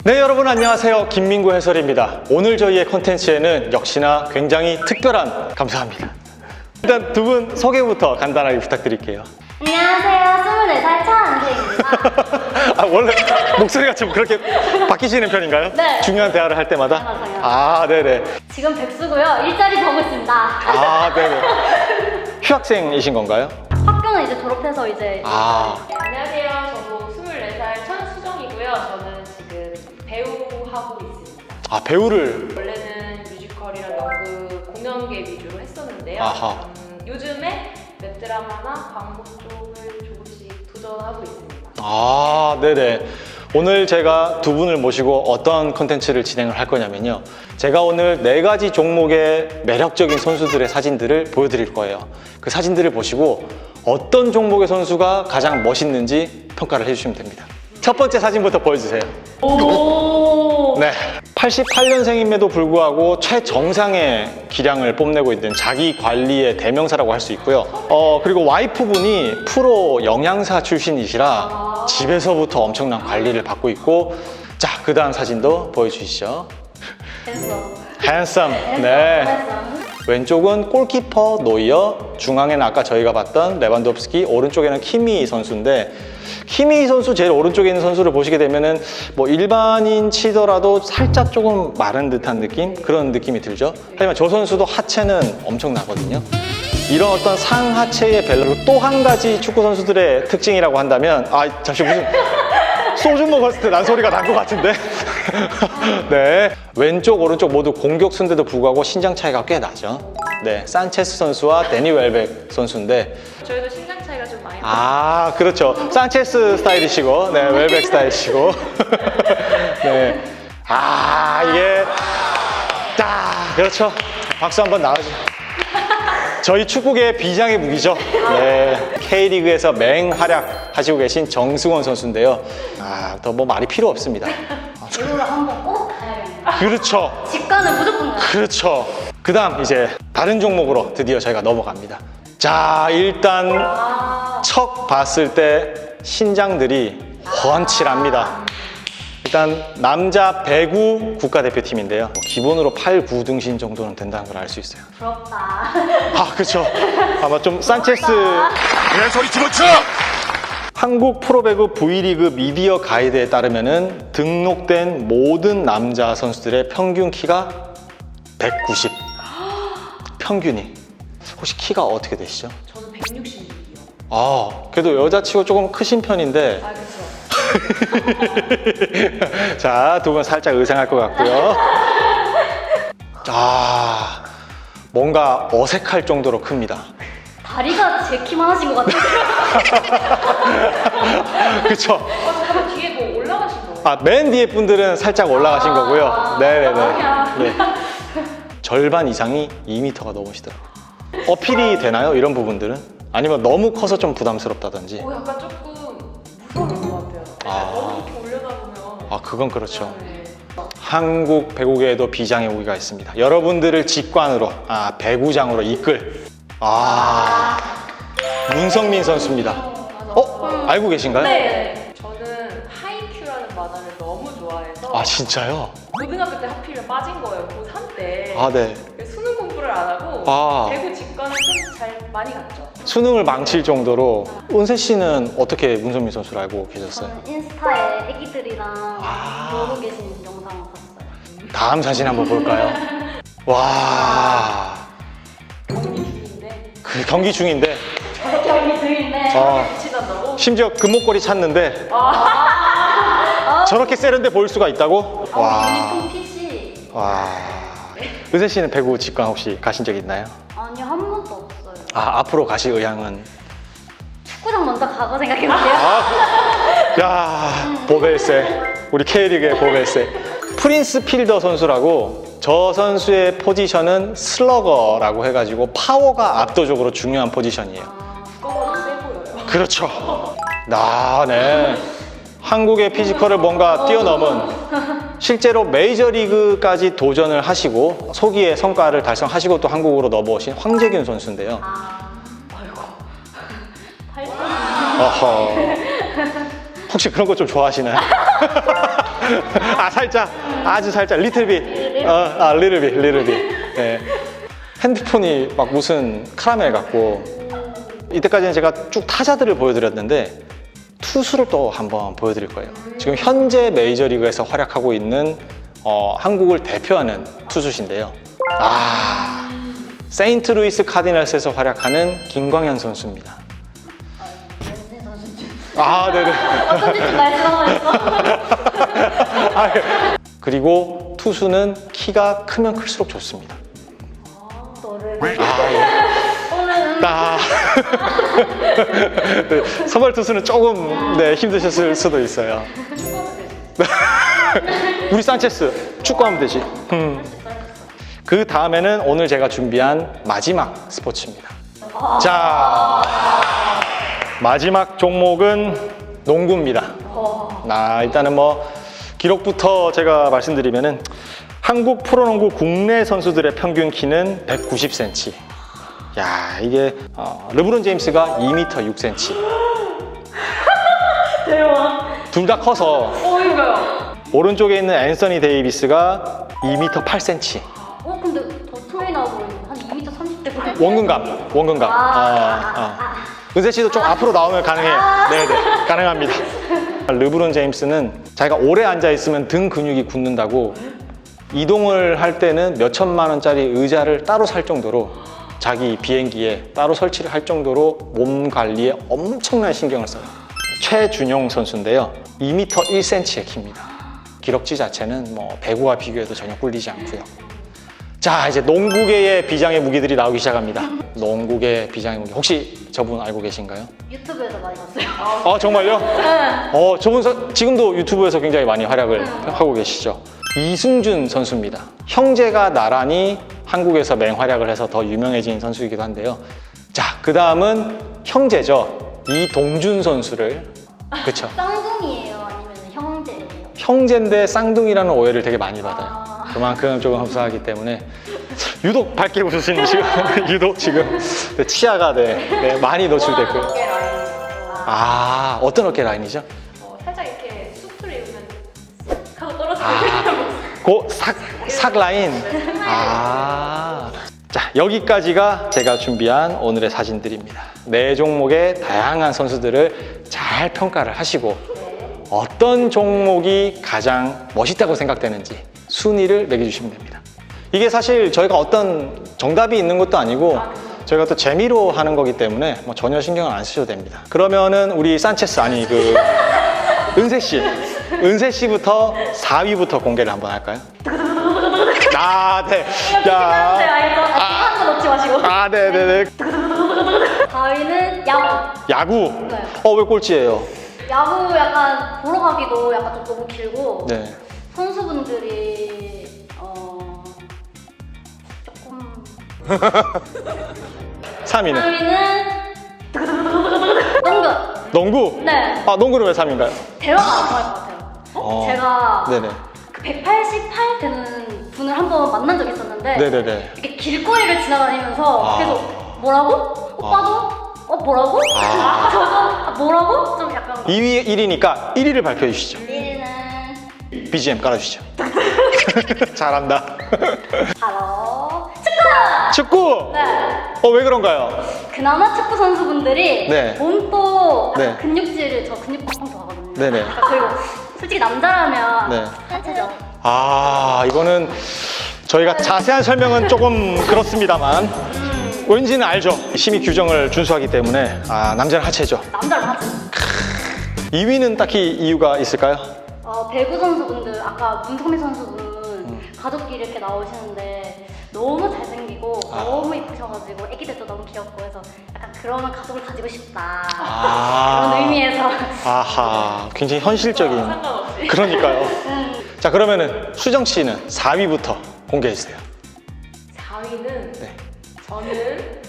네, 여러분 안녕하세요. 김민구 해설입니다. 오늘 저희의 콘텐츠에는 역시나 굉장히 특별한, 감사합니다. 일단 두 분 소개부터 간단하게 부탁드릴게요. 안녕하세요. 24살 차은재입니다. 원래 목소리가 좀 그렇게 바뀌시는 편인가요? 네. 중요한 대화를 할 때마다? 네, 맞아요. 네네. 지금 백수고요. 일자리 보고 있습니다. 네네. 휴학생이신 건가요? 학교는 이제 졸업해서 이제 네, 안녕하세요. 저도 24살 천수정이고요. 저는 지금 배우하고 있습니다. 배우를. 원래는 뮤지컬이랑 연극, 공연계 위주로 했었는데요. 아하. 요즘에 웹드라마나 광고 쪽을 조금씩 도전하고 있습니다. 네네. 오늘 제가 두 분을 모시고 어떤 컨텐츠를 진행을 할 거냐면요. 제가 오늘 4가지 종목의 매력적인 선수들의 사진들을 보여드릴 거예요. 그 사진들을 보시고 어떤 종목의 선수가 가장 멋있는지 평가를 해주시면 됩니다. 첫 번째 사진부터 보여주세요. 오. 네, 88년생임에도 불구하고 최정상의 기량을 뽐내고 있는 자기 관리의 대명사라고 할 수 있고요. 그리고 와이프분이 프로 영양사 출신이시라 집에서부터 엄청난 관리를 받고 있고, 자, 그 다음 사진도 보여주시죠. 핸섬. 네. 왼쪽은 골키퍼 노이어, 중앙에는 아까 저희가 봤던 레반도프스키, 오른쪽에는 키미 선수인데, 키미 선수 제일 오른쪽에 있는 선수를 보시게 되면은 뭐 일반인 치더라도 살짝 조금 마른 듯한 느낌? 그런 느낌이 들죠. 하지만 저 선수도 하체는 엄청나거든요. 이런 어떤 상하체의 밸런스, 또 한 가지 축구 선수들의 특징이라고 한다면, 잠시 무슨 소주 먹었을 때 난 소리가 난 것 같은데. 네, 왼쪽 오른쪽 모두 공격수인데도 불구하고 신장 차이가 꽤 나죠. 네, 산체스 선수와 데니 웰벡 선수인데, 저희도 신장 차이가 좀 많이 나요. 그렇죠. 산체스 스타일이시고, 네, 웰벡 스타일이시고. 네. 이게, 그렇죠. 박수 한번 나와줘. 저희 축구계의 비장의 무기죠. 네. K리그에서 맹활약 하시고 계신 정승원 선수인데요. 더 뭐 말이 필요 없습니다. 이거를 한번 꼭 가야겠네요. 그렇죠. 직관은 무조건 가요. 그렇죠. 그 다음 이제 다른 종목으로 드디어 저희가 넘어갑니다. 자, 일단 척 봤을 때 신장들이 훤칠합니다. 일단 남자 배구 국가대표팀인데요. 기본으로 8, 9등신 정도는 된다는 걸 알 수 있어요. 부럽다. 그렇죠. 아마 좀 산체스. 내 소리 집어쳐! 한국 프로배구 V리그 미디어 가이드에 따르면은 등록된 모든 남자 선수들의 평균 키가 190. 평균이. 혹시 키가 어떻게 되시죠? 저는 166이요. 그래도 여자치고 조금 크신 편인데. 그렇죠. 자, 두 분 살짝 의상할 것 같고요. 뭔가 어색할 정도로 큽니다. 다리가 제 키만 하신 것 같아요. 그쵸? 잠깐만, 뒤에 뭐 올라가신 거예요? 맨 뒤에 분들은 살짝 올라가신 거고요. 네네네. 네. 절반 이상이 2m가 넘으시더라고요. 어필이 되나요? 이런 부분들은? 아니면 너무 커서 좀 부담스럽다든지? 약간 조금 무서운 것 같아요. 너무 이렇게 올려다 보면. 그건 그렇죠. 네. 한국 배구계에도 비장의 무기가 있습니다. 여러분들을 직관으로, 배구장으로 이끌. 문성민 선수입니다. 알고 계신가요? 네. 저는 하이큐라는 만화를 너무 좋아해서 진짜요? 고등학교 때 하필이면 빠진 거예요. 고3 때. 네. 수능 공부를 안 하고 배구 직관을 좀 잘 많이 갔죠. 수능을 망칠 정도로. 은세 씨는 어떻게 문성민 선수를 알고 계셨어요? 저는 인스타에 애기들이랑 놀고 계신 영상 봤어요. 다음 사진 한번 볼까요? 와, 경기 중인데 경기 중인데 경기 중인데. 붙이던다고? 심지어 금목걸이 찾는데 저렇게 세련돼 보일 수가 있다고? 유니폼 핏이. 은세 씨는 배구 직관 혹시 가신 적 있나요? 아니요, 한 번도 없어요. 앞으로 가실 의향은? 축구장 먼저 가고 생각해볼게요. 보벨세. 우리 K리그의 보벨세. 프린스 필더 선수라고, 저 선수의 포지션은 슬러거라고 해가지고 파워가 압도적으로 중요한 포지션이에요. 무거워도 세 보여요. 그렇죠. 네. 한국의 피지컬을 뭔가 뛰어넘은, 실제로 메이저리그까지 도전을 하시고 소기의 성과를 달성하시고 또 한국으로 넘어오신 황재균 선수인데요. 혹시 그런 거 좀 좋아하시나요? 아, 살짝. 아주 살짝. 리틀빗. 리틀빗. 네. 핸드폰이 막 무슨 카라멜 같고. 이때까지는 제가 쭉 타자들을 보여드렸는데 투수를 또 한번 보여드릴 거예요. 지금 현재 메이저리그에서 활약하고 있는 한국을 대표하는 투수신데요. 세인트루이스 카디널스에서 활약하는 김광현 선수입니다. 연세 선수 중 네네. 어떤 짓을 말씀하고 그리고 투수는 키가 크면 클수록 좋습니다. 너를 예. 오늘은 선발 투수는 조금 힘드셨을 수도 있어요. 우리 산체스 축구하면 되지. 그 다음에는 오늘 제가 준비한 마지막 스포츠입니다. 자, 마지막 종목은 농구입니다. 일단은 기록부터 제가 말씀드리면은 한국 프로농구 국내 선수들의 평균 키는 190cm. 야, 이게 르브론 제임스가 2m 6cm. 대박. 둘 다 커서 이거요. 오른쪽에 있는 앤서니 데이비스가 2m 8cm. 근데 더 트레이 나오고 한 2m 30대 보여. 원근감. 은세 씨도 좀 앞으로 나오면 가능해요. 네네, 가능합니다. 르브론 제임스는 자기가 오래 앉아 있으면 등 근육이 굳는다고 이동을 할 때는 몇 천만 원짜리 의자를 따로 살 정도로 자기 비행기에 따로 설치를 할 정도로 몸 관리에 엄청난 신경을 써요. 최준용 선수인데요. 2m 1cm의 키입니다. 기럭지 자체는 배구와 비교해도 전혀 꿀리지 않고요. 자, 이제 농구계의 비장의 무기들이 나오기 시작합니다. 농구계 비장의 무기. 혹시 저분 알고 계신가요? 유튜브에서 많이 봤어요. 정말요? 네. 저분 지금도 유튜브에서 굉장히 많이 활약을 하고 계시죠. 이승준 선수입니다. 형제가 나란히 한국에서 맹활약을 해서 더 유명해진 선수이기도 한데요. 자, 그 다음은 형제죠. 이동준 선수를. 그쵸? 쌍둥이에요? 아니면 형제예요? 형제인데 쌍둥이라는 오해를 되게 많이 받아요. 그만큼 조금 흡사하기 때문에 유독 밝게 웃으시는 지금 유독 지금 치아가 많이 노출됐고요. 어깨 라인이요. 어떤 어깨 라인이죠? 살짝 이렇게 수트를 입으면 싹 하고 떨어지는 삭 라인. 자, 여기까지가 제가 준비한 오늘의 사진들입니다. 네 종목의 다양한 선수들을 잘 평가를 하시고 어떤 종목이 가장 멋있다고 생각되는지 순위를 매겨주시면 됩니다. 이게 사실 저희가 어떤 정답이 있는 것도 아니고 저희가 또 재미로 하는 거기 때문에 전혀 신경을 안 쓰셔도 됩니다. 그러면은 우리 산체스 은세 씨부터 4위부터 공개를 한번 할까요? 네. 한거 넣지 마시고. 네네네. 4위는 야구. 야구. 네. 왜 꼴찌예요? 야구 약간 보러 가기도 약간 좀 너무 길고 네. 선수분들이 조금 3위는? 3위는 농구. 네. 농구는 왜 3위인가요? 대화가 안 통할 것 같아요. 제가 네네. 그 188 되는 분을 한번 만난 적이 있었는데 네네네. 이렇게 길거리를 지나다니면서 계속 뭐라고? 오빠도? 뭐라고? 저도? 뭐라고? 좀 약간 2위 1위니까 1위를 발표해 주시죠. 1위는 BGM 깔아주시죠. 잘한다. 바로 축구! 축구! 네. 왜 그런가요? 그나마 축구 선수분들이 네. 몸도 네. 근육질을 저 근육 팡팡 좋아하거든요. 네네. 그리고 솔직히 남자라면 네. 하체죠. 이거는 저희가 자세한 설명은 조금 그렇습니다만 왠지는 알죠. 심의 규정을 준수하기 때문에 남자는 하체죠. 남자는 하체. 2위는 딱히 이유가 있을까요? 배구 선수분들 아까 문성민 선수분 가족끼리 이렇게 나오시는데 너무 잘생기고 너무 이쁘셔가지고 애기들도 너무 귀엽고 해서 약간 그런 가족을 가지고 싶다 그런 의미에서 굉장히 현실적인. 상관없이. 그러니까요. 자, 그러면은 수정 씨는 4위부터 공개해 주세요. 4위는 네. 저는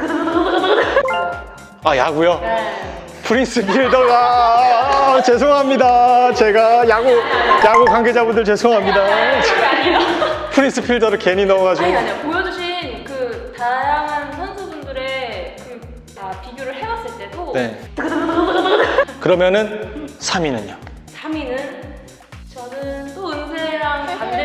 야구요? 네. 프린스 필더가 죄송합니다. 제가 야구 관계자분들 죄송합니다. 프린스 필더를 괜히 넣어가지고. 아니요. 보여주신 그 다양한 선수분들의 비교를 해봤을 때도 네. 그러면은 3위는요? 3위는 저는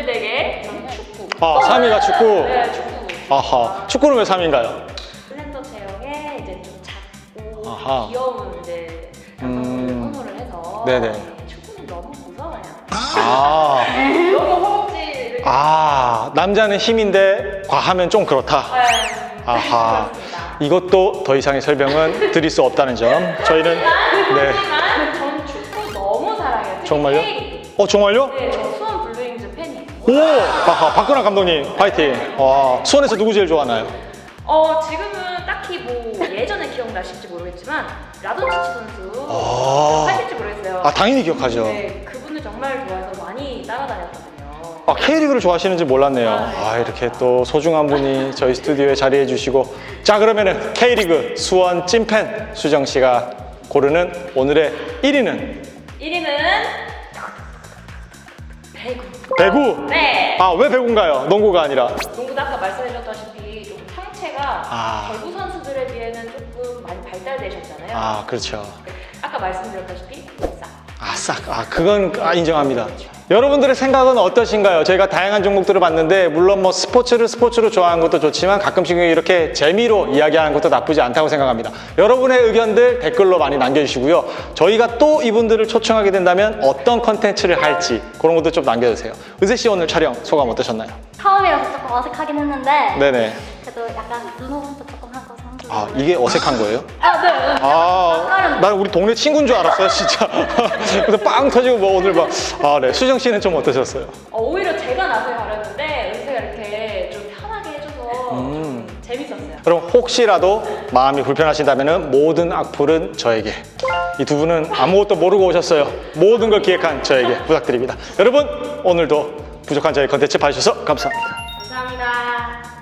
남들에게 저는 축구. 아, 3위가 축구. 네, 축구. 아하. 축구는 왜 3위인가요? 슬렌더 체형에 이제 좀 작고 아하. 귀여운 이제 남성분을 선호를 해서 네네. 축구는 너무 무서워요. 아. 너무 허벅지 이렇게. 아, 남자는 힘인데 과하면 좀 그렇다. 네. 아하. 그렇습니다. 이것도 더 이상의 설명은 드릴 수 없다는 점. 저희는 네. 하지만 전 축구 너무 사랑해요. 특히 정말요? K리그. 정말요? 네, 저 수원 블루윙즈 팬이에요. 오! 아하, 박근혜 감독님, 파이팅. 와, 수원에서 누구 제일 좋아하나요? 지금은 딱히 뭐 예전에 기억나실지 모르겠지만 라돈치치 선수 아. 하실지 모르겠어요. 아, 당연히 기억하죠. 네, 그분을 정말 좋아해서 많이 따라다녔거든요. 아, K리그를 좋아하시는지 몰랐네요. 아, 이렇게 또 소중한 분이 저희 스튜디오에 자리해 주시고. 자, 그러면은 K리그 수원 찐팬 수정 씨가 고르는 오늘의 1위는 1위는 배구. 배구. 네. 아, 왜 배구인가요? 농구가 아니라. 농구도 아까 말씀해줬다시피 좀 상체가 아. 배구 선수들에 비해는 조금 많이 발달되셨잖아요. 아, 그렇죠. 아까 말씀드렸다시피 싹. 아, 싹. 아, 그건 인정합니다. 여러분들의 생각은 어떠신가요? 저희가 다양한 종목들을 봤는데 물론 뭐 스포츠를 스포츠로 좋아하는 것도 좋지만 가끔씩 이렇게 재미로 이야기하는 것도 나쁘지 않다고 생각합니다. 여러분의 의견들 댓글로 많이 남겨주시고요. 저희가 또 이분들을 초청하게 된다면 어떤 컨텐츠를 할지 그런 것도 좀 남겨주세요. 의세 씨 오늘 촬영 소감 어떠셨나요? 처음이라서 조금 어색하긴 했는데 네네. 그래도 약간 눈호흡도 조금 하고 선수. 아, 이게 어색한 거예요? 아, 네. 아, 난 우리 동네 친구인 줄 알았어요, 진짜. 그래서 빵 터지고 뭐 오늘 막. 아, 네. 수정 씨는 좀 어떠셨어요? 오히려 제가 나서기 바랐는데 은세가 이렇게 좀 편하게 해줘서 좀 재밌었어요. 그럼 혹시라도 마음이 불편하신다면 모든 악플은 저에게. 이 두 분은 아무것도 모르고 오셨어요. 모든 걸 기획한 저에게 부탁드립니다. 여러분, 오늘도 부족한 저희 컨텐츠 봐주셔서 감사합니다. 감사합니다.